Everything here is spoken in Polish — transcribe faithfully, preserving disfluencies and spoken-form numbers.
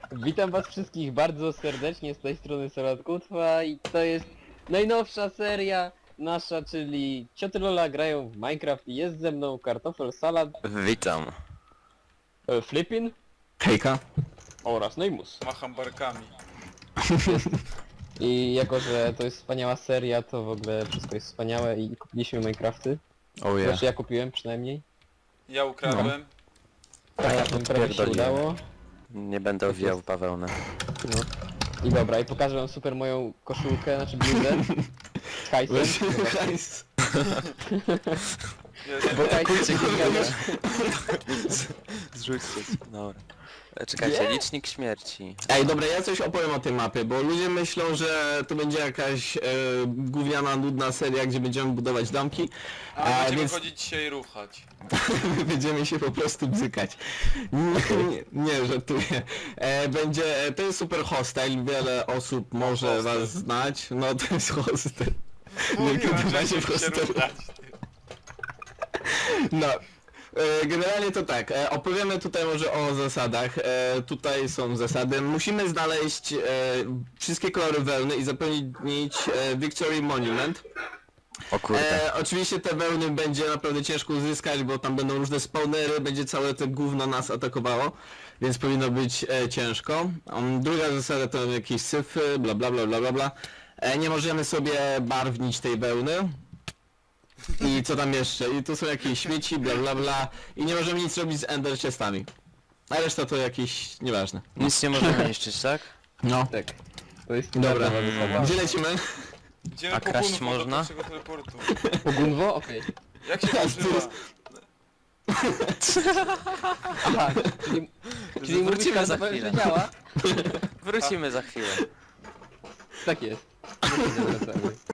Witam was wszystkich bardzo serdecznie z tej strony Solat Kutwa i to jest najnowsza seria nasza, czyli Cioty Lola grają w Minecraft i jest ze mną Kartofel Salad, Witam. e, Flippin Hejka. oraz Neymus. Macham barkami. I jako, że to jest wspaniała seria, to w ogóle wszystko jest wspaniałe i kupiliśmy Minecrafty. Oh yeah. Znaczy ja kupiłem przynajmniej. Ja ukradłem. Tak, ja nam prawie się podpierdoliłem. udało. Nie będę owijał w bawełnę. No. I dobra, i pokażę wam super moją koszulkę, znaczy bluzę z hajsem. Hajs. Ja, Bo hajs Kurczę, jest kurczę. Zrzućcie. Dobra. E, Czekajcie, Nie? licznik śmierci. Ej, dobra, ja coś opowiem o tej mapie, bo ludzie myślą, że to będzie jakaś e, gówniana, nudna seria, gdzie będziemy budować domki, a a, będziemy więc chodzić dzisiaj i ruchać. będziemy się po prostu bzykać. Nie, nie, nie żartuję. E, będzie, e, to jest super hostel, wiele osób może hostel. was znać. No to jest hostel. Mówiłem, kiedy że będzie będziemy w się hostelu. ruchać. No. E, Generalnie to tak, e, opowiemy tutaj może o zasadach. E, tutaj są zasady. Musimy znaleźć e, wszystkie kolory wełny i zapełnić e, Victory Monument. O kurde. E, oczywiście te wełny będzie naprawdę ciężko uzyskać, bo tam będą różne spawnery, będzie całe to gówno nas atakowało, więc powinno być e, ciężko. Um, druga zasada to jakieś syfy, bla bla bla bla bla bla. E, nie możemy sobie barwnić tej wełny. I co tam jeszcze? I tu są jakieś śmieci, bla bla bla. I nie możemy nic robić z ender chestami. A reszta to jakieś... nieważne. Nic nie możemy niszczyć, tak? No. Tak. To jest Dobra. nowa zasada. Gdzie lecimy? Idziemy A po kraść Gunwo można? do pierwszego teleportu. Pogunwo? Okej. Jak się to używa? Aha, czyli, czyli mówisz Wrócimy za Kartofel, chwilę. że działa? Wrócimy za chwilę. Tak jest. No to zawracamy.